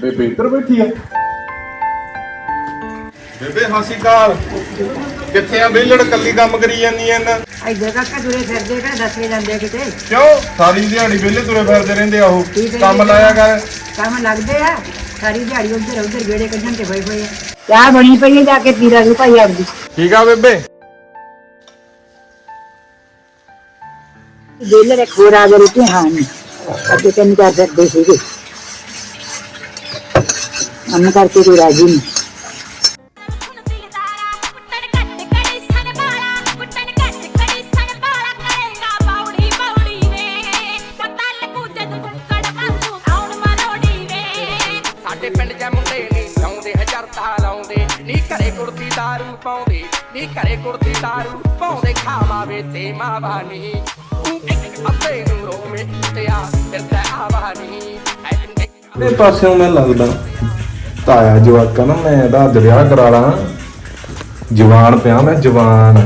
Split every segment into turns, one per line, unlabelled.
ਬੇਬੇ ਇੱਧਰ ਬੈਠੀ ਆ। ਬੇਬੇ ਹਾਸੀ ਕਾਲ ਕਿੱਥੇ ਆ? ਵਿਹਲੜ ਕੱਲੀ ਕੰਮ ਕਰੀ ਜਾਂਦੀ ਐ ਨਾ।
ਇੱਧਰ ਕਾਕਾ ਤੁਰੇ ਫਿਰਦੇ ਕਿਹੜਾ ਦੱਸੇ ਜਾਂਦੇ ਆ ਕਿਤੇ।
ਕਿਉਂ ਸਾਰੀ ਦਿਹਾੜੀ ਵਿਹਲੇ ਤੁਰੇ ਫਿਰਦੇ ਰਹਿੰਦੇ ਆ ਉਹ। ਕੰਮ ਲਾਇਆ ਕਰ।
ਕੰਮ ਲੱਗਦੇ ਆ ਸਾਰੀ ਦਿਹਾੜੀ ਉੱਧਰ ਉੱਧਰ ਗੇੜੇ ਕੱਢਣ ਤੇ ਹੋਏ ਆ। ਚਾਹ ਬਣੀ ਪਈ ਹੈ ਜਾ ਕੇ ਪੀਰਾ ਨੂੰ ਭਾਈ ਆਪਦੀ।
ਠੀਕ ਆ ਬੇਬੇ।
ਵਿਹਲੇ ਇੱਕ ਹੋਰ ਆ ਗਏ ਰੋਟੀ ਹਾਂ ਨਹੀਂ ਅੱਗੇ ਤੈਨੂੰ ਕਰ ਸਕਦੇ ਸੀਗੇ ਕੰਮ ਕਰਕੇ ਕੋਈ ਰਾਜੀ ਨਹੀਂ।
ਸਾਡੇ ਪਿੰਡ ਦੇ ਮੁੰਡੇ ਨੀ ਲਾਉਂਦੇ ਹਜ਼ਾਰਤਾ ਲਾਉਂਦੇ ਨੀ ਘਰੇ ਕੁੜਤੀ ਦਾਰੂ ਪਾਉਂਦੇ ਨੀ ਘਰੇ ਕੁੜਤੀ ਦਾਰੂ ਪਾਉਂਦੇ ਖਾਵਾਵੇ ਤੇ ਮਾਵਾਨੀ ਅੱਤੇ ਨੂੰ ਰੋਵੇਂ ਤੇ ਆ ਫਿਰਦਾ ਆਵਾਨੀ
ਇਹ ਪਾਸਿਓਂ ਮੈਂ ਲੱਗਦਾ ਤਾਇਆ ਜਵਾਕਾ ਨਾ ਮੈਂ ਇਹਦਾ ਅੱਜ ਵਿਆਹ ਕਰਾ ਲਾਂ। ਜਵਾਨ ਪਿਆ ਮੈਂ ਜਵਾਨ।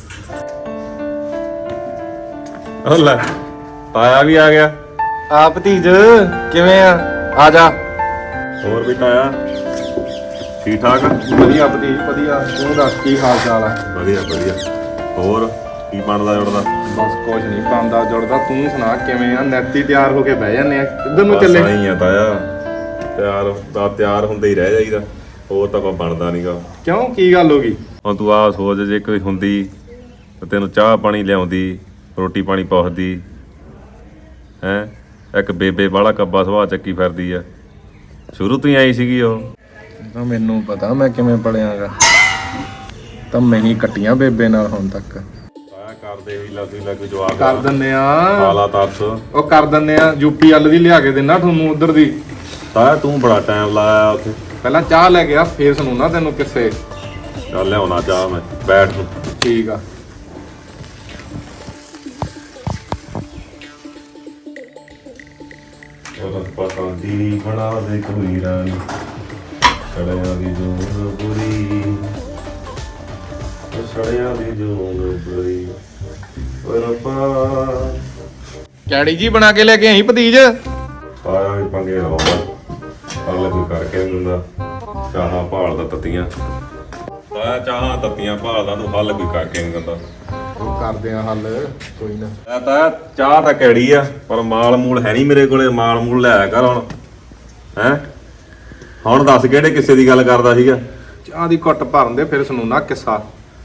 ਉਹ ਲੈ ਤਾਇਆ ਵੀ ਆ ਗਿਆ। ਆ ਭਤੀਜ ਕਿਵੇਂ ਆ ਜਾ।
ਹੋਰ ਵੀ ਤਾਇਆ ਠੀਕ ਠਾਕ?
ਵਧੀਆ ਭਤੀਜ ਵਧੀਆ। ਤੂੰ ਦੱਸ ਕੀ ਹਾਲ ਚਾਲ ਆ?
ਵਧੀਆ ਵਧੀਆ। ਹੋਰ ਕੀ ਬਣਦਾ ਜੁੜਦਾ?
ਬਸ ਕੁਝ ਨਹੀਂ ਬਣਦਾ ਜੁੜਦਾ। ਤੂੰ ਸੁਣਾ ਕਿਵੇਂ ਆ? ਨੈਤੀ ਤਿਆਰ ਹੋ ਕੇ ਬਹਿ ਜਾਂਦੇ ਆ। ਕਿੱਧਰ ਨੂੰ ਚੱਲੇ?
ਸਹੀ ਆ ਤਾਇਆ ਤਿਆਰ ਹੁੰਦੇ ਹੀ ਰਹਿ ਜਾਈਦਾ। ਹੋਰ ਤਾਂ ਕੋਈ ਬਣਦਾ ਨਹੀਂਗਾ।
ਕਿਉਂ ਕੀ ਗੱਲ ਹੋ ਗਈ?
ਹੁਣ ਤੂੰ ਆਹ ਸੋਚ ਜੇ ਕੋਈ ਹੁੰਦੀ ਤਾਂ ਤੈਨੂੰ ਚਾਹ ਪਾਣੀ ਲਿਆਉਂਦੀ ਰੋਟੀ ਪਾਣੀ ਪੁੱਛਦੀ ਹੈਂ। ਇੱਕ ਬੇਬੇ ਵਾਲਾ ਕੱਬਾ ਸੁਭਾਅ ਚੱਕੀ ਫਿਰਦੀ ਆ। ਸ਼ੁਰੂ ਤੋਂ ਹੀ ਆਈ ਸੀਗੀ ਉਹ।
ਤਾਂ ਮੈਨੂੰ ਪਤਾ ਮੈਂ ਕਿਵੇਂ ਪੜਿਆਗਾ। ਤਾਂ ਮੈਂ ਹੀ ਕੱਟੀਆਂ ਬੇਬੇ ਨਾਲ ਹੁਣ ਤੱਕ।
ਤਾਇਆ ਕਰਦੇ ਹੀ ਲੱਗ ਜਵਾਬ
ਕਰ ਦਿੰਨੇ ਆ।
ਹਾਲਾ ਤਰਸ
ਉਹ ਕਰ ਦਿੰਨੇ ਆ। ਯੂਪੀ ਵੱਲ ਦੀ ਲਿਆ ਕੇ ਦੇਣਾ ਤੁਹਾਨੂੰ ਉਧਰ ਦੀ।
ਤਾਇਆ ਤੂੰ ਬੜਾ ਟਾਈਮ ਲਾਇਆ ਉੱਥੇ।
ਪਹਿਲਾਂ ਚਾਹ ਲੈ ਗਿਆ ਫੇਰ ਸੁਣਾਉਣਾ ਤੈਨੂੰ ਕਿਸੇ।
ਚੱਲ ਲਿਆਉਣਾ ਚਾਹ ਮੈਂ ਬੈਠ ਨੂੰ।
ਠੀਕ ਆ।
ਉਹ ਪਤਾ ਦੀ ਬਣਾ ਦੇ ਕੋਈ ਰਾਣੀ ਛੜਿਆਂ ਦੀ ਜੋਨ ਬੁਰੀ ਛੜਿਆਂ ਦੀ ਜੋਨ ਬੁਰੀ ਓਏ ਰੱਬਾ।
ਕੈੜੀ ਜੀ ਬਣਾ ਕੇ ਲੈ ਕੇ ਆਈ ਭਤੀਜ।
ਆਇਆ ਵੀ ਪੰਗੇ ਲਾਉਂਦਾ ਅਗਲੇ ਕੋਈ ਕਰਕੇ ਨਹੀਂ ਦਿੰਦਾ। ਚਾਹਾਂ ਭਾਲਦਾ ਤੱਤੀਆਂ ਆਇਆ ਚਾਹਾਂ ਤੱਤੀਆਂ ਭਾਲਦਾ ਤੂੰ ਹੱਲ ਕੋਈ ਕਰਕੇ ਨਹੀਂ ਦਿੰਦਾ।
ਉਹ ਕਰਦੇ ਆ ਹੱਲ ਕੋਈ ਨਾ।
ਮੈਂ ਤਾਂ ਚਾਹ ਤਾਂ ਕੈੜੀ ਆ ਪਰ ਮਾਲ ਮੂਲ ਹੈ ਨਹੀਂ ਮੇਰੇ ਕੋਲੇ। ਮਾਲ ਮੂਲ ਲੈ ਕਰ ਹੁਣ ਹੈਂ। ਹੁਣ ਦੱਸ ਕਿਹੜੇ ਕਿੱਸੇ ਦੀ ਗੱਲ ਕਰਦਾ ਸੀਗਾ?
ਚਾਹ ਦੀ ਘੁੱਟ ਭਰਨ ਦੇ ਫਿਰ ਸੁਣਾਉਣਾ ਕਿੱਸਾ।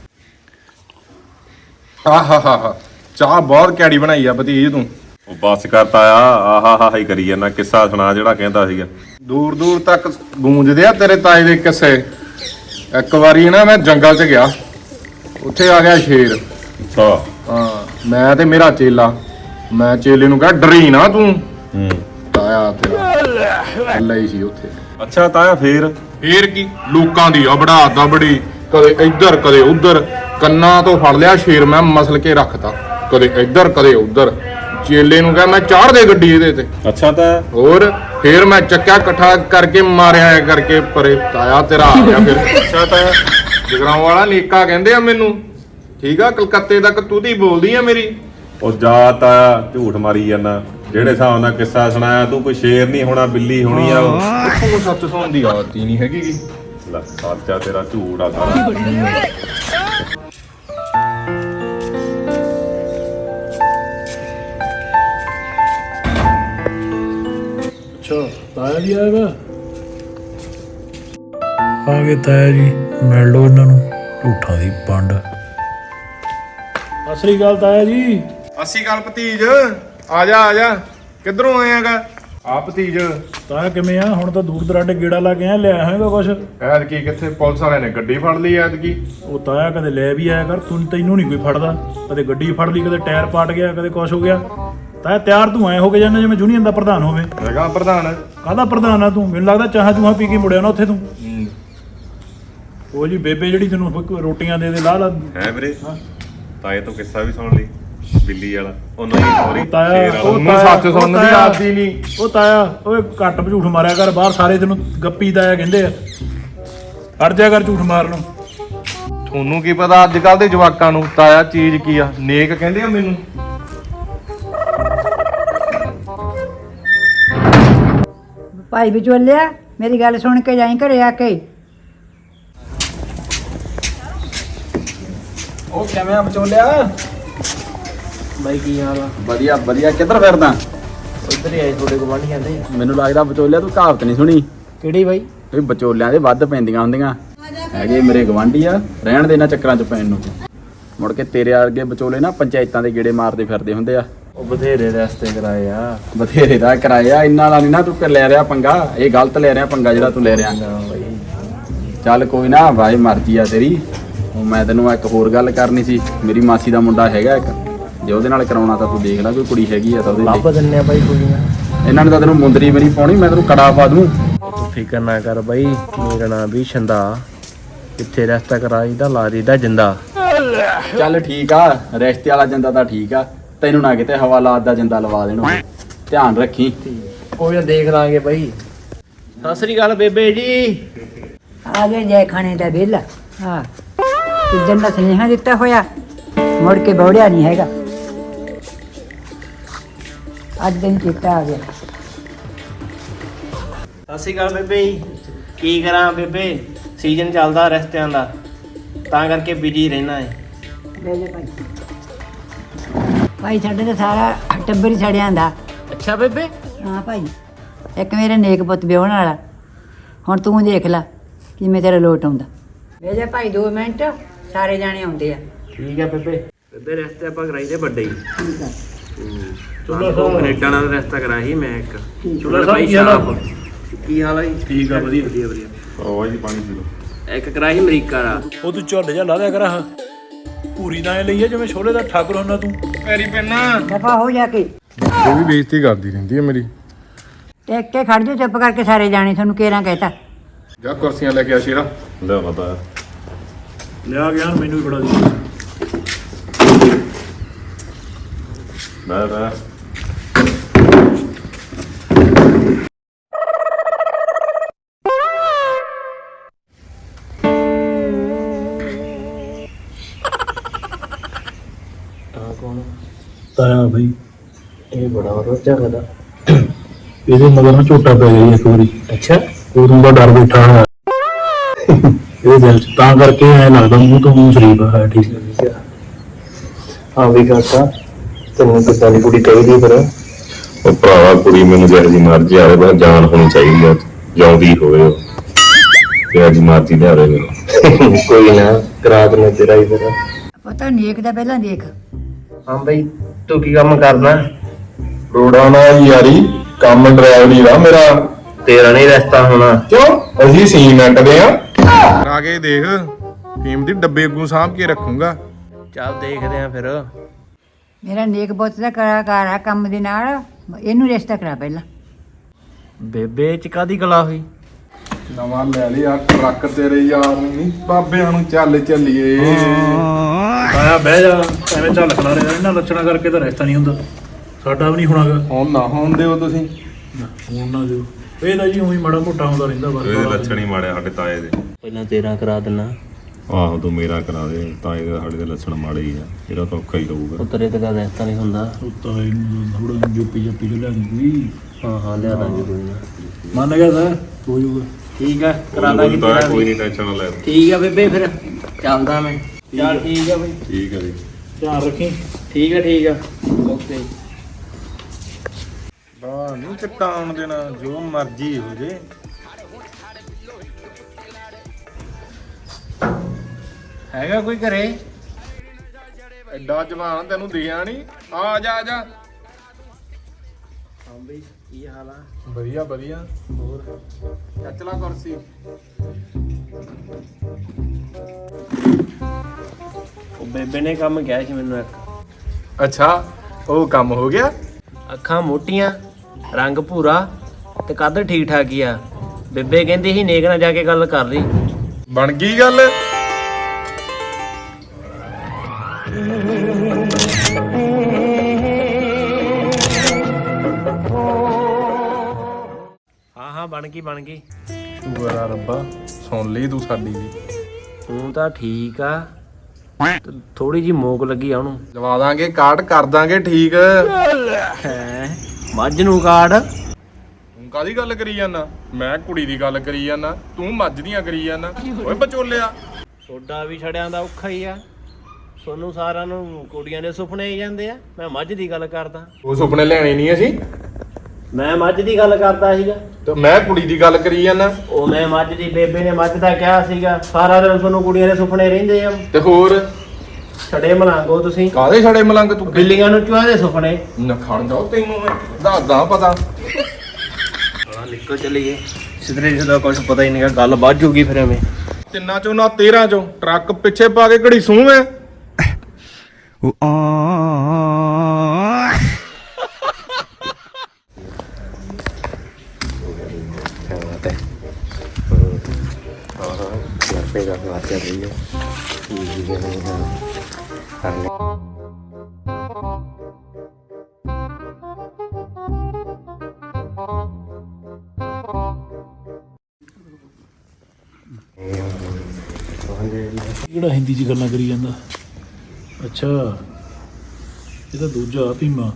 ਆਹਾ ਚਾਹ ਬਹੁਤ ਕੈੜੀ ਬਣਾਈ ਆ ਭਤੀਜ ਤੂੰ।
ਉਹ ਬੱਸ ਕਰਤਾ ਆਹਾ ਹੀ ਕਰੀ ਜਾਂਦਾ। ਕਿੱਸਾ ਸੁਣਾ ਜਿਹੜਾ ਕਹਿੰਦਾ ਸੀਗਾ।
ਦੂਰ ਦੂਰ ਤੱਕ ਗੂੰਜਦੇ ਆ ਤੇਰੇ ਤਾਏ ਦੇ ਕਿੱਸੇ। ਇੱਕ ਵਾਰੀ ਨਾ ਮੈਂ ਜੰਗਲ 'ਚ ਗਿਆ। ਉੱਥੇ ਆ ਗਿਆ ਸ਼ੇਰ।
ਅੱਛਾ
ਹਾਂ ਮੈਂ ਤੇ ਮੇਰਾ ਚੇਲਾ। ਮੈਂ ਚੇਲੇ ਨੂੰ ਕਿਹਾ ਡਰੀ ਨਾ ਤੂੰ। ਤਾਇਆ ਤੇਰਾ ਲਈ ਸੀ ਉੱਥੇ।
ਅੱਛਾ ਤਾਇਆ ਫੇਰ
ਕੀ ਲੋਕਾਂ ਦੀ ਅਬੜਾ ਦਬੜੀ ਕਦੇ ਇੱਧਰ ਕਦੇ ਉੱਧਰ। ਕੰਨਾਂ ਤੋਂ ਫੜ ਲਿਆ ਸ਼ੇਰ ਮੈਂ ਮਸਲ ਕੇ ਰੱਖਤਾ। ਕਦੇ ਇੱਧਰ ਕਦੇ ਉੱਧਰ। ਚੇਲੇ ਨੂੰ ਕਿਹਾ ਮੈਂ ਚਾੜ ਦੇ ਗੱਡੀ ਇਹਦੇ ਤੇ।
ਅੱਛਾ ਤਾਇਆ
ਹੋਰ ਫੇਰ ਮੈਂ ਚੱਕਿਆ ਇਕੱਠਾ ਕਰਕੇ ਮਾਰਿਆ ਕਰਕੇ ਪਰੇ। ਤਾਇਆ ਤੇਰਾ ਆ ਗਿਆ ਫਿਰ।
ਅੱਛਾ ਤਾਇਆ
ਜਗਰਾਉਂ ਵਾਲਾ ਨੇਕਾ ਕਹਿੰਦੇ ਆ ਮੈਨੂੰ। ਠੀਕ ਆ ਕਲਕੱਤੇ ਤੱਕ ਤੂੰ ਦੀ ਬੋਲਦੀ ਆ ਮੇਰੀ।
ਉਹ ਜਾ ਤਾਇਆ ਝੂਠ ਮਾਰੀ ਜਾਂਦਾ। ਜਿਹੜੇ ਹਿਸਾਬ ਨਾਲ ਕਿੱਸਾ ਸੁਣਾਇਆ ਤੂੰ ਕੋਈ ਸ਼ੇਰ ਨਹੀਂ ਹੋਣਾ ਬਿੱਲੀ ਹੋਣੀ ਆ ਉਹ।
ਉਹ ਸੱਚ ਸੁਣਨ ਦੀ ਆਦਤ ਹੀ ਨਹੀਂ ਹੈਗੀ ਗੀ।
ਲੈ ਸੱਚਾ ਤੇਰਾ ਝੂਠ ਆ ਸਾਰਾ।
ਅੱਛਾ ਤਾਇਆ ਜੀ ਆਇਆ ਵਾ। ਆ ਗਏ ਤਾਇਆ ਜੀ ਮਿਲ ਲਓ ਇਹਨਾਂ ਨੂੰ ਝੂਠਾਂ ਦੀ ਪੰਡ। ਸਤਿ ਸ੍ਰੀ ਅਕਾਲ ਤਾਇਆ ਜੀ।
ਅਸੀਂ ਗੱਲ ਭਤੀਜ ਆ ਜਾ ਕਿੱਧਰੋਂ ਆਇਆਗਾ? ਆ ਭਤੀਜ
ਤਾਇਆ ਕਿਵੇਂ ਆ? ਹੁਣ ਤਾਂ ਦੂਰ ਦਰਾਡੇ ਗੇੜਾ ਲਾ ਕੇ ਲਿਆ ਹੈਗਾ ਕੁਛ?
ਐਤਕੀ ਕਿੱਥੇ ਪੁਲਿਸ ਵਾਲਿਆਂ ਨੇ ਗੱਡੀ ਫੜ ਲਈ ਐਤਕੀ।
ਉਹ ਤਾਇਆ ਕਦੇ ਲੈ ਵੀ ਆਇਆ ਕਰ। ਤੈਨੂੰ ਨਹੀਂ ਕੋਈ ਫੜਦਾ। ਕਦੇ ਗੱਡੀ ਫੜ ਲਈ ਕਦੇ ਟਾਇਰ ਪਾਟ ਗਿਆ ਕਦੇ ਕੁਛ ਹੋ ਗਿਆ। ਤਾਇਆ ਤਿਆਰ ਤੂੰ ਐ ਹੋ ਕੇ ਜਾਂਦਾ ਜਿਵੇਂ ਯੂਨੀਅਨ ਦਾ ਪ੍ਰਧਾਨ ਹੋਵੇ।
ਹੈਗਾ ਪ੍ਰਧਾਨ।
ਕਾਹਦਾ ਪ੍ਰਧਾਨ ਆ ਤੂੰ? ਮੈਨੂੰ ਲੱਗਦਾ ਚਾਹਾਂ ਚੂਹਾਂ ਪੀ ਕੇ ਮੁੜਿਆ ਨਾ ਉੱਥੇ ਤੂੰ। ਉਹ ਜੀ ਬੇਬੇ ਜਿਹੜੀ ਤੈਨੂੰ ਰੋਟੀਆਂ ਦੇ ਲਾ
ਹੈ ਵੀਰੇ ਤਾਏ ਤੋਂ ਕਿੱਸਾ ਵੀ ਸੁਣ ਲਈ ਬਿੱਲੀ ਵਾਲਾ। ਉਹਨੂੰ ਸੌਰੀ
ਤਾਇਆ
ਉਹਨੂੰ ਸੱਚ ਸੁਣਨ ਦੀ ਆਦਤ ਹੀ ਨਹੀਂ।
ਉਹ ਤਾਇਆ ਓਏ ਘੱਟ ਝੂਠ ਮਾਰਿਆ ਕਰ। ਬਾਹਰ ਸਾਰੇ ਤੈਨੂੰ ਗੱਪੀ ਤਾਇਆ ਕਹਿੰਦੇ ਆ। ਹਟ ਜਾ ਕਰ ਝੂਠ ਮਾਰਨ।
ਤੁਹਾਨੂੰ ਕੀ ਪਤਾ ਅੱਜ ਕੱਲ ਦੇ ਜਵਾਕਾਂ ਨੂੰ ਤਾਇਆ ਚੀਜ਼ ਕੀ ਆ। ਨੇਕ ਕਹਿੰਦੇ ਆ ਮੈਨੂੰ।
ਭਾਈ ਵਿਚੋਲਿਆ ਮੇਰੀ ਗੱਲ ਸੁਣ ਕੇ ਜਾਈਂ ਘਰੇ ਆ ਕੇ।
ਉਹ ਕਿਵੇਂ ਆ ਬਚੋਲਿਆ?
ਬਾਈ ਕੀ ਹਾਲ ਆ?
ਵਧੀਆ ਵਧੀਆ। ਕਿੱਧਰ ਫਿਰਦਾ?
ਉੱਧਰ ਹੀ ਆਏ ਤੁਹਾਡੇ ਗਵਾਂਢੀ ਕਹਿੰਦੇ।
ਮੈਨੂੰ ਲੱਗਦਾ ਬਚੋਲਿਆ ਤੂੰ ਕਹਾਵਤ ਨਹੀਂ ਸੁਣੀ
ਕਿਹੜੀ ਬਾਈ?
ਵੀ ਬਚੋਲਿਆਂ ਦੇ ਵੱਧ ਪੈਂਦੀਆਂ ਹੁੰਦੀਆਂ। ਹੈਗੇ ਮੇਰੇ ਗਵਾਂਢੀ ਆ, ਰਹਿਣ ਦੇ ਇਹਨਾਂ ਚੱਕਰਾਂ 'ਚ ਪੈਣ ਨੂੰ। ਮੁੜ ਕੇ ਤੇਰੇ ਵਰਗੇ ਬਚੋਲੇ ਨਾ ਪੰਚਾਇਤਾਂ ਦੇ ਗੇੜੇ ਮਾਰਦੇ ਫਿਰਦੇ ਹੁੰਦੇ ਆ।
ਉਹ ਬਥੇਰੇ ਰਸਤੇ ਕਰਾਏ ਆ।
ਬਥੇਰੇ ਦਾ ਕਿਰਾਇਆ ਇੰਨਾ ਵਾਲਾ ਨਹੀਂ ਨਾ ਤੂੰ ਲੈ ਰਿਹਾ ਪੰਗਾ। ਇਹ ਗਲਤ ਲੈ ਰਿਹਾ ਪੰਗਾ ਜਿਹੜਾ ਤੂੰ ਲੈ ਰਿਹਾ। ਚੱਲ ਕੋਈ ਨਾ ਭਾਈ, ਮਰਜ਼ੀ ਆ ਤੇਰੀ। ਉਹ ਮੈਂ ਤੈਨੂੰ ਇੱਕ ਹੋਰ ਗੱਲ ਕਰਨੀ ਸੀ। ਮੇਰੀ ਮਾਸੀ ਦਾ ਮੁੰਡਾ ਹੈਗਾ ਇੱਕ, ਜੇ ਉਹਦੇ ਨਾਲ ਕਰਾਉਣਾ ਤਾਂ ਤੂੰ ਦੇਖ ਲੈ, ਕੋਈ ਕੁੜੀ ਹੈਗੀ ਆ ਤਾਂ ਉਹਦੇ
ਲੱਭ ਦਿੰਨੇ ਆ ਬਾਈ ਕੁੜੀਆਂ।
ਇਹਨਾਂ ਨੇ ਤਾਂ ਤੈਨੂੰ ਮੁੰਦਰੀ ਵੀ ਨਹੀਂ ਪਾਉਣੀ, ਮੈਂ ਤੈਨੂੰ ਕੜਾ ਪਾ ਦੂੰ।
ਤੂੰ ਫਿਕਰ ਨਾ ਕਰ ਬਾਈ, ਮੇਰਾ ਨਾਂ ਵੀ ਛੰਦਾ। ਕਿੱਥੇ ਰਸਤਾ ਕਰਾਈ ਦਾ ਲਾ ਦਾ ਜਿੰਦਾ।
ਚੱਲ ਠੀਕ ਆ, ਰਿਸ਼ਤੇ ਵਾਲਾ ਜਿੰਦਾ ਤਾਂ ਠੀਕ ਆ, ਤੈਨੂੰ ਨਾ ਕਿਤੇ ਹਵਾਲਾਤ ਦਾ ਜਿੰਦਾ ਲਵਾ ਦੇਣ। ਧਿਆਨ ਰੱਖੀ।
ਕੋਈ ਨਾ ਦੇਖ ਲਾਂਗੇ ਬਾਈ। ਸਤਿ ਸ੍ਰੀ ਅਕਾਲ ਬੇਬੇ ਜੀ।
ਆ ਗਏ ਜੈ ਖਾਣੇ ਦਾ ਵਿਹਲਾ। ਹਾਂ, ਕਿੱਦਣ ਦਾ ਸੁਨੇਹਾ ਦਿੱਤਾ ਹੋਇਆ, ਮੁੜ ਕੇ ਬੌੜਿਆ ਨਹੀਂ ਹੈਗਾ। ਅੱਜ ਦਿਨ ਚੇਤਾ ਆ ਗਿਆ।
ਸਤਿ ਸ੍ਰੀ ਅਕਾਲ ਬੇਬੇ ਜੀ। ਕੀ ਕਰਾਂ ਬੇਬੇ, ਸੀਜ਼ਨ ਚੱਲਦਾ ਰਸਤਿਆਂ ਦਾ, ਤਾਂ ਕਰਕੇ ਬਿਜੀ ਰਹਿਣਾ ਹੈ।
ਲੈ ਲੈ ਭਾਈ। ਭਾਈ ਸਾਡੇ ਤਾਂ ਸਾਰਾ ਟੱਬਰ ਹੀ ਛੜਿਆਂ ਦਾ।
ਅੱਛਾ ਬੇਬੇ।
ਹਾਂ ਭਾਈ, ਇੱਕ ਮੇਰੇ ਨੇਕ ਪੁੱਤ ਵਿਆਹਣ ਵਾਲਾ। ਹੁਣ ਤੂੰ ਦੇਖ ਲੈ ਕਿਵੇਂ ਤੇਰਾ ਲੋਟ ਆਉਂਦਾ। ਲੈ ਜਾ ਭਾਈ 2 ਮਿੰਟ, ਸਾਰੇ ਜਾਣੇ ਆਉਂਦੇ ਆ।
ਠੀਕ ਹੈ ਬੇਬੇ। ਬੇਬੇ ਰਸਤੇ ਆਪਾਂ ਕਰਾਈ ਦੇ ਵੱਡੇ ਹੀ।
ਠੀਕ ਆ।
ਚਲੋ ਕੈਨੇਡਾ ਨਾਲ ਰਸਤਾ ਕਰਾਈ ਮੈਂ ਇੱਕ।
ਚਲੋ ਸਾਹਿਬ ਕੀ ਹਾਲ ਆ?
ਕੀ ਹਾਲ ਆ ਜੀ?
ਠੀਕ ਆ, ਵਧੀਆ ਵਧੀਆ ਵਧੀਆ।
ਉਹ ਜੀ ਪਾਣੀ ਪੀ ਲਓ।
ਇੱਕ ਕਰਾਈ ਅਮਰੀਕਾ ਦਾ।
ਉਹ ਤੂੰ ਝੋਲੇ ਜਾ ਲਾ ਦਿਆ ਕਰ। ਆਹ ਪੂਰੀ ਤਾਂ ਐ ਲਈ ਆ ਜਿਵੇਂ ਛੋਲੇ ਦਾ ਠਾਕੁਰ ਹੁੰਦਾ ਤੂੰ।
ਪੈਰੀ ਪੈਣਾ
ਦਫਾ ਹੋ ਜਾ ਕੇ।
ਉਹ ਵੀ ਬੇਇੱਜ਼ਤੀ ਕਰਦੀ ਰਹਿੰਦੀ ਹੈ ਮੇਰੀ।
ਟੇਕ ਕੇ ਖੜ ਜਾ, ਚੁੱਪ ਕਰਕੇ ਸਾਰੇ ਜਾਣੇ। ਤੁਹਾਨੂੰ ਕੇਰਾਂ ਕਹਿਤਾ।
ਜਾ ਕੁਰਸੀਆਂ ਲੈ ਕੇ ਆ ਸ਼ੇਰਾ।
ਲੈ ਪਤਾ
ਲਿਆ ਗਿਆ, ਮੈਨੂੰ ਵੀ ਬੜਾ ਦੀ।
ਮੈਂ
ਤਾਇਆ ਬਈ,
ਇਹ ਬੜਾ ਰੋਚਾ ਕਦਾ।
ਇਹਦੇ ਮਗਰ ਨਾ ਝੋਟਾ ਪੈ ਗਿਆ ਇੱਕ ਵਾਰੀ।
ਅੱਛਾ।
ਉਦੋਂ ਦਾ ਡਰ ਬੈਠਾ ਹੋਇਆ ਇਹਦੇ ਦਿਲ 'ਚ, ਤਾਂ ਕਰਕੇ ਐ ਲੱਗਦਾ ਮੂੰਹ ਤੋਂ ਮੂੰਹ ਸ਼ਰੀਫ ਹੈ। ਠੀਕ ਹੈ।
ਹਾਂ ਵੀ ਕਾਕਾ, ਤੈਨੂੰ ਕਿੱਦਾਂ ਦੀ ਕੁੜੀ ਚਾਹੀਦੀ ਫਿਰ?
ਉਹ ਭਰਾਵਾ ਕੁੜੀ ਮੈਨੂੰ ਜਿਹੋ ਜਿਹੀ ਮਰਜ਼ੀ ਆਵੇ, ਬਸ ਜਾਨ ਹੋਣੀ ਚਾਹੀਦੀ ਆ, ਜਿਉਂਦੀ ਹੋਵੇ ਉਹ। ਜਿਹੋ ਜਿਹੀ ਮਰਜ਼ੀ ਲਿਆਵੇ ਮੈਨੂੰ।
ਕੋਈ ਨਾ, ਕਰਾ ਦਿੰਦੇ ਤੇਰਾ ਹੀ ਫਿਰ।
ਪਤਾ ਨੇਕ ਦਾ ਪਹਿਲਾਂ ਦੇਖ।
ਹਾਂ ਬਈ, ਤੂੰ ਕੀ ਕੰਮ ਕਰਦਾ?
ਰੋੜਾ ਨਾਲ ਯਾਰੀ, ਕੰਮ ਡਰਾਈਵਰੀ ਦਾ ਮੇਰਾ।
ਤੇਰਾ ਨਹੀਂ ਰਸਤਾ ਹੋਣਾ।
ਕਿਉਂ? ਅਸੀਂ ਸੀਮੈਂਟ ਦੇ ਆ। ਕਰਾ ਕੇ ਦੇਖ, ਫੀਮ ਦੀ ਡੱਬੇ ਅੱਗੋਂ ਸਾਂਭ ਕੇ ਰੱਖੂੰਗਾ।
ਚੱਲ ਦੇਖਦੇ ਆਂ ਫਿਰ।
ਮੇਰਾ ਨੇਕ ਪੁੱਤ ਦਾ ਕਲਾਕਾਰ ਆ ਕੰਮ ਦੇ ਨਾਲ। ਇਹਨੂੰ ਰਿਸ਼ਤਾ ਕਰਾ ਪਹਿਲਾਂ।
ਬੇਬੇ ਚ ਕਾਦੀ ਕਲਾ ਹੋਈ?
ਨਵਾਂ ਲੈ ਲਿਆ ਟਰੱਕ ਤੇਰੇ ਯਾਰ ਨੂੰ ਨਹੀਂ, ਬਾਬਿਆਂ ਨੂੰ ਚੱਲ ਚੱਲੀਏ।
ਤਾਇਆ ਬਹਿ ਜਾ, ਐਵੇਂ ਝਲਕਣਾ ਰਿਹਾ। ਇਹਨਾਂ ਲੱਛਣਾ ਕਰਕੇ ਤਾਂ ਰਿਸ਼ਤਾ ਨਹੀਂ ਹੁੰਦਾ। ਸਾਡਾ ਵੀ ਨਹੀਂ ਹੋਣਾਗਾ।
ਹੁਣ ਨਾ ਹੋਣ ਦਿਓ ਤੁਸੀਂ।
ਹੁਣ ਨਾ ਦਿਓ। ਇਹ ਤਾਂ ਜੀ ਉਹੀ ਮਾੜਾ ਮੋਟਾ ਹੁੰਦਾ ਰਹਿੰਦਾ
ਇਹਦੇ
ਬਸ।
ਲੱਛਣ ਹੀ ਮਾੜੇ ਸਾਡੇ ਤਾਏ ਦੇ।
ਪਹਿਲਾਂ ਤੇਰਾ ਕਰਾ ਦਿੰਨਾ।
ਆਹੋ ਤੂੰ ਮੇਰਾ ਕਰਾ ਦੇ, ਤਾਏ ਦੇ ਸਾਡੇ ਦੇ ਲੱਛਣ ਮਾੜੇ ਹੀ ਆ। ਇਹਦਾ ਤਾਂ ਔਖਾ ਹੀ ਰਹੂਗਾ।
ਉਹ ਤੇਰੇ ਤੇ ਕਾ ਰਸਤਾ ਨਹੀਂ ਹੁੰਦਾ।
ਤਾਂ ਇਹਨੂੰ ਥੋੜਾ ਜੋਪੀ ਜੱਪੀ ਜੋ ਲੈਣੀ ਕੋਈ।
ਹਾਂ ਹਾਂ, ਲਿਆ ਦਾਂਗੇ ਕੋਈ ਨਾ।
ਮੰਨ ਗਿਆ ਤਾਂ ਹੋ ਜਾਊਗਾ।
ਠੀਕ ਆ, ਕਰਾ ਦਾਂਗੇ
ਤਾਇਆ
ਤੇਰਾ
ਕੋਈ
ਵੀ।
ਨਹੀਂ, ਟੈਨਸ਼ਨ ਨਾ ਲੈ।
ਠੀਕ ਆ ਬੇਬੇ, ਫਿਰ ਚੱਲਦਾ ਮੈਂ। ਚੱਲ ਠੀਕ ਆ ਬਈ।
ਠੀਕ ਹੈ ਜੀ।
ਧਿਆਨ ਰੱਖੀ।
ਠੀਕ ਆ ਠੀਕ ਆ, ਓਕੇ।
ਬਾਹ ਨਹੀਂ ਚਟਾਉਣ ਦੇਣਾ, ਜੋ ਮਰਜ਼ੀ ਹੋ ਜੇ।
ਹੈਗਾ ਕੋਈ ਘਰੇ?
ਐਡਾ ਜਵਾਨ ਤੈਨੂੰ ਦਿਖਿਆ ਨਹੀਂ? ਆ ਜਾ ਆ ਜਾ।
ਹਾਂ ਬਈ, ਕੀ ਹਾਲ ਆ?
ਵਧੀਆ ਵਧੀਆ। ਹੋਰ ਚੱਚ ਲਾ ਕੁਰਸੀ।
ਉਹ ਬੇਬੇ ਨੇ ਕੰਮ ਕਿਹਾ ਸੀ ਮੈਨੂੰ ਇੱਕ।
ਅੱਛਾ, ਉਹ ਕੰਮ ਹੋ ਗਿਆ?
ਅੱਖਾਂ ਮੋਟੀਆਂ, ਰੰਗ ਭੂਰਾ ਤੇ ਕੱਦ ਠੀਕ ਠਾਕ ਹੀ ਆ। ਬੇਬੇ ਕਹਿੰਦੀ ਸੀ ਨੇਕ ਨਾਲ ਜਾ ਕੇ ਗੱਲ ਕਰ ਲਈ।
ਬਣ ਗਈ ਗੱਲ?
ਹਾਂ ਹਾਂ, ਬਣ ਗਈ ਬਣ ਗਈ।
ਸ਼ੁਕਰ ਆ ਰੱਬਾ, ਸੁਣ ਲਈ ਤੂੰ ਸਾਡੀ ਵੀ।
ਤੂੰ ਤਾਂ ਠੀਕ ਆ, ਥੋੜੀ ਜੀ ਮੋਕ ਲੱਗੀ ਆ ਉਹਨੂੰ।
ਲਵਾ ਦਾਂਗੇ ਕਾਟ, ਕਰ ਦਾਂਗੇ ਠੀਕ।
ਹੈ ਮੱਝ ਨੂੰ ਕਾੜ?
ਤੂੰ ਕਾਦੀ ਗੱਲ ਕਰੀ ਜਾਂਦਾ? ਮੈਂ ਕੁੜੀ ਦੀ ਗੱਲ ਕਰੀ ਜਾਂਦਾ, ਤੂੰ ਮੱਝ ਦੀਆਂ ਕਰੀ ਜਾਂਦਾ। ਓਏ ਬਚੋਲਿਆ,
ਤੁਹਾਡਾ ਵੀ ਛੜਿਆਂ ਦਾ ਔਖਾ ਹੀ ਆ। ਤੁਹਾਨੂੰ ਸਾਰਿਆਂ ਨੂੰ ਕੁੜੀਆਂ ਦੇ ਸੁਪਨੇ ਆਈ ਜਾਂਦੇ ਆ। ਮੈਂ ਮੱਝ ਦੀ ਗੱਲ ਕਰਦਾ।
ਉਹ ਸੁਪਨੇ ਲੈਣੇ ਨਹੀਂ ਅਸੀਂ।
ਮੈਂ ਮੱਝ ਦੀ ਗੱਲ ਕਰਦਾ ਸੀਗਾ।
ਤੇ ਮੈਂ ਕੁੜੀ ਦੀ ਗੱਲ ਕਰੀ ਜਾਂਦਾ।
ਉਹ ਮੈਂ ਮੱਝ ਦੀ, ਬੇਬੇ ਨੇ ਮੱਝ ਦਾ ਕਿਹਾ ਸੀਗਾ। ਸਾਰਾ ਦਿਨ ਤੁਹਾਨੂੰ ਕੁੜੀਆਂ ਦੇ ਸੁਪਨੇ ਰਹਿੰਦੇ ਆ।
ਤੇ ਹੋਰ
ਛੜੇ ਮਲਾਂਗੋ ਤੁਸੀਂ।
ਕਾਦੇ ਛੜੇ ਮਲੰਗ ਤੂੰ?
ਬਿੱਲੀਆਂ ਨੂੰ ਚੂਹਿਆਂ ਦੇ ਸੁਪਨੇ।
ਨਖਣ ਜਾਓ, ਤੈਨੂੰ ਮੈਂ ਦੱਸਦਾ ਪਤਾ।
ਹਾਂ ਨਿਕਲ ਚਲੀਏ ਸਿੱਧਰੇ ਜਿਹਦਾ ਕੁਝ ਪਤਾ ਹੀ ਨਹੀਂਗਾ। ਗੱਲ ਵੱਧ ਜੂਗੀ ਫਿਰ ਐਵੇਂ।
ਤਿੰਨਾਂ ਚੋਂ ਨਾ 13 ਚੋਂ ਟਰੱਕ ਪਿੱਛੇ ਪਾ ਕੇ ਘੜੀ ਸੂਹ ਐ।
ਜਿਹੜਾ ਹਿੰਦੀ 'ਚ ਗੱਲਾਂ ਕਰੀ ਜਾਂਦਾ। ਅੱਛਾ ਇਹ ਤਾਂ ਦੂਜਾ ਭੀਮਾ।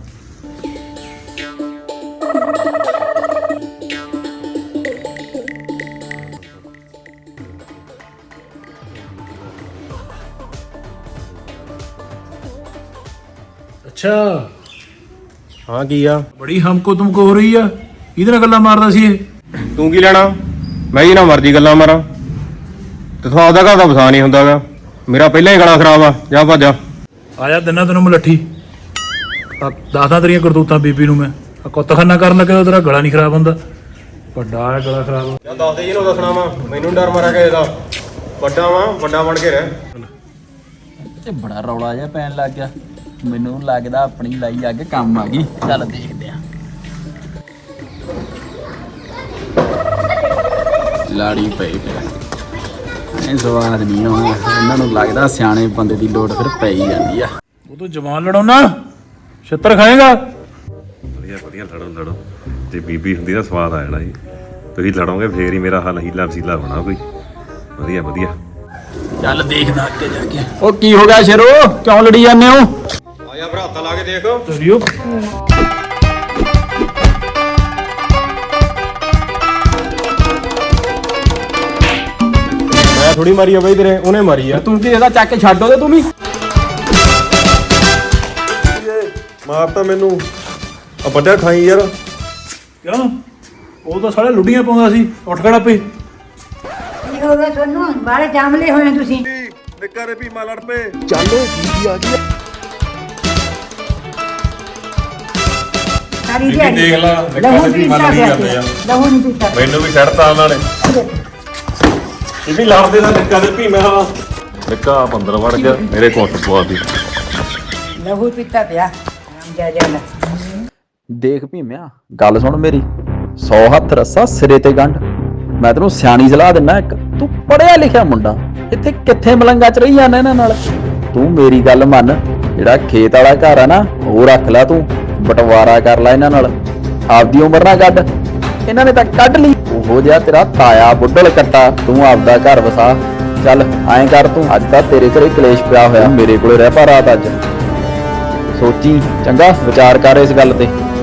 ਅੱਛਾ
ਹਾਂ ਕੀ ਆ?
ਬੜੀ ਹਮਕੋ ਤੁਮਕੋ ਹੋ ਰਹੀ ਆ। ਇਹਦੇ ਨਾਲ ਗੱਲਾਂ ਮਾਰਦਾ ਸੀ ਇਹ।
ਤੂੰ ਕੀ ਲੈਣਾ? ਮੈਂ ਜੀ ਨਾ ਮਰਜ਼ੀ ਗੱਲਾਂ ਮਾਰਾਂ ਤੇ ਤੁਹਾਨੂੰ ਆਪਦਾ ਘਰ ਦਾ ਵਸਾ ਨਹੀਂ ਹੁੰਦਾਗਾ। ਮੇਰਾ ਪਹਿਲਾਂ ਹੀ ਗਲਾ ਖਰਾਬ ਆ। ਜਾ ਭੱਜ ਜਾ।
ਆਇਆ ਦਿਨਾਂ ਤੈਨੂੰ ਮਲੱਠੀ ਦੱਸਦਾ ਤੇਰੀਆਂ ਕਰਤੂਤਾਂ ਬੀਬੀ ਨੂੰ। ਮੈਂ ਕੁੱਤਖਾਨਾ ਕਰਨ ਲੱਗੇ ਤੇਰਾ ਗਲਾ ਨਹੀਂ ਖਰਾਬ ਹੁੰਦਾ। ਵੱਡਾ ਹੈ ਗਲਾ ਖਰਾਬ।
ਜਾਂ ਦੱਸ ਦੇ ਜਿਹਨੂੰ ਦੱਸਣਾ ਵਾ। ਮੈਨੂੰ ਡਰ ਮਾਰਿਆ ਕਿਸੇ ਦਾ। ਵੱਡਾ ਵਾ, ਵੱਡਾ ਬਣ ਕੇ ਰਹਿ।
ਤੇ ਬੜਾ ਰੌਲਾ ਜਿਹਾ ਪੈਣ ਲੱਗ ਗਿਆ। ਮੈਨੂੰ ਲੱਗਦਾ ਆਪਣੀ ਲਾਈ ਅੱਗ ਕੰਮ ਆ ਗਈ। ਚੱਲ ਦੇਖਦੇ ਆ। ਲਾੜੀ ਪਈ ਪਿਆ। ਇਹ ਸਵਾਦ ਨਹੀਂ ਆਉਂਦਾ। ਇਹਨਾਂ ਨੂੰ ਲੱਗਦਾ ਸਿਆਣੇ ਬੰਦੇ ਦੀ ਲੋੜ ਫਿਰ ਪੈ ਹੀ ਜਾਂਦੀ ਆ।
ਉਹ ਤੂੰ ਜਵਾਨ ਲੜਾਉਣਾ ਛਿੱਤਰ ਖਾਏਗਾ।
ਵਧੀਆ ਵਧੀਆ, ਲੜੋ ਲੜੋ। ਜੇ ਬੀਬੀ ਹੁੰਦੀ ਤਾਂ ਸਵਾਦ ਆ ਜਾਣਾ ਜੀ। ਤੁਸੀਂ ਲੜੋਗੇ ਫੇਰ ਹੀ ਮੇਰਾ ਹੱਲ ਹੀਲਾ ਵਸੀਲਾ ਹੋਣਾ ਕੋਈ। ਵਧੀਆ ਵਧੀਆ।
ਚੱਲ ਦੇਖਦਾ ਅੱਗੇ ਜਾ ਕੇ। ਉਹ ਕੀ ਹੋ ਗਿਆ ਸ਼ੇਰੋ? ਕਿਉਂ ਲੜੀ ਜਾਂਦੇ ਹੋ?
ਆ ਜਾ ਭਰਾ, ਹੱਥ ਲਾ ਕੇ ਦੇਖ।
ਤੇਰੀਓ
ਮੈਂ ਥੋੜੀ ਮਾਰੀ ਆ ਬਈ ਤੇਰੇ, ਉਹਨੇ ਮਾਰੀ ਆ।
ਤੂੰ ਕੀ ਇਹਦਾ ਚੱਕ ਕੇ ਛੱਡੋ ਤੇ ਤੂੰ ਵੀ।
ਮਾਰਤਾ ਮੈਨੂੰ। ਆ ਵੱਡਾ ਖਾਈ ਯਾਰ।
ਕਿਉਂ? ਉਹ ਤਾਂ ਸਾਲੇ ਲੁੱਡੀਆਂ ਪਾਉਂਦਾ ਸੀ। ਉੱਠ ਖੜਾ ਪਈ।
ਕੀ ਹੋ ਗਿਆ ਤੁਹਾਨੂੰ? ਬਾਹਰ ਜਾਮਲੇ ਹੋਏ ਤੁਸੀਂ।
ਨਿੱਕਾ ਰੇ ਭੀਮਾ ਲੜ ਪਏ।
ਸਾਰੀ ਦਿਹਾੜੀ
ਦੇਖ ਲਾ,
ਲਹੂ ਨਹੀਂ ਪੀਤਾ ਪਿਆ ਸੀ। ਲਹੂ ਨਹੀਂ ਪੀਤਾ।
ਮੈਨੂੰ ਵੀ ਛੱਡਤਾ ਉਹਨਾਂ ਨੇ। ਇਹ ਵੀ ਲੜਦੇ ਦਾ ਨਿੱਕਾ ਦੇ ਭੀਮਾ। ਨਿੱਕਾ ਬੰਦਰ ਵੜ ਗਿਆ ਮੇਰੇ ਕੋਟ ਪਵਾ ਦੀ।
ਲਹੂ ਪੀਤਾ ਪਿਆ। ਰਾਮ ਜਾ ਜਾ।
ਦੇਖ ਭੀਮਿਆ, ਗੱਲ ਸੁਣ ਮੇਰੀ। 100 ਹੱਥ ਰੱਸਾ ਸਿਰੇ ਤੇ ਗੰਢ। ਮੈਂ ਤੈਨੂੰ ਸਿਆਣੀ ਸਲਾਹ ਦਿੰਦਾ ਇੱਕ। ਤੂੰ ਪੜਿਆ ਲਿਖਿਆ ਮੁੰਡਾ, ਇੱਥੇ ਕਿੱਥੇ ਮਲੰਗਾ ਚ ਰਹੀ ਜਾਂਦਾ ਇਹਨਾਂ ਨਾਲ। ਤੂੰ ਮੇਰੀ ਗੱਲ ਮੰਨ। ਜਿਹੜਾ ਖੇਤ ਵਾਲਾ ਘਰ ਆ ਨਾ, ਉਹ ਰੱਖ ਲੈ ਤੂੰ। ਬਟਵਾਰਾ ਕਰ ਲੈ ਇਹਨਾਂ ਨਾਲ। ਆਪਦੀ ਉਮਰ ਨਾ ਕੱਢ। ਇਹਨਾਂ ਨੇ ਤਾਂ ਕੱਢ ਲਈ। ਉਹੋ ਜਿਹਾ ਤੇਰਾ ਤਾਇਆ ਬੁੱਢਲ ਕੱਟਾ। ਤੂੰ ਆਪਦਾ ਘਰ ਵਸਾ। ਚੱਲ ਐਂ ਕਰ, ਤੂੰ ਅੱਜ ਤਾਂ ਤੇਰੇ ਘਰੇ ਕਲੇਸ਼ ਪਿਆ ਹੋਇਆ। ਮੇਰੇ ਕੋਲੇ ਰਹਿ ਪਾ ਰਾਤ ਅੱਜ। ਸੋਚੀ ਚੰਗਾ, ਵਿਚਾਰ ਕਰ ਇਸ ਗੱਲ ਤੇ।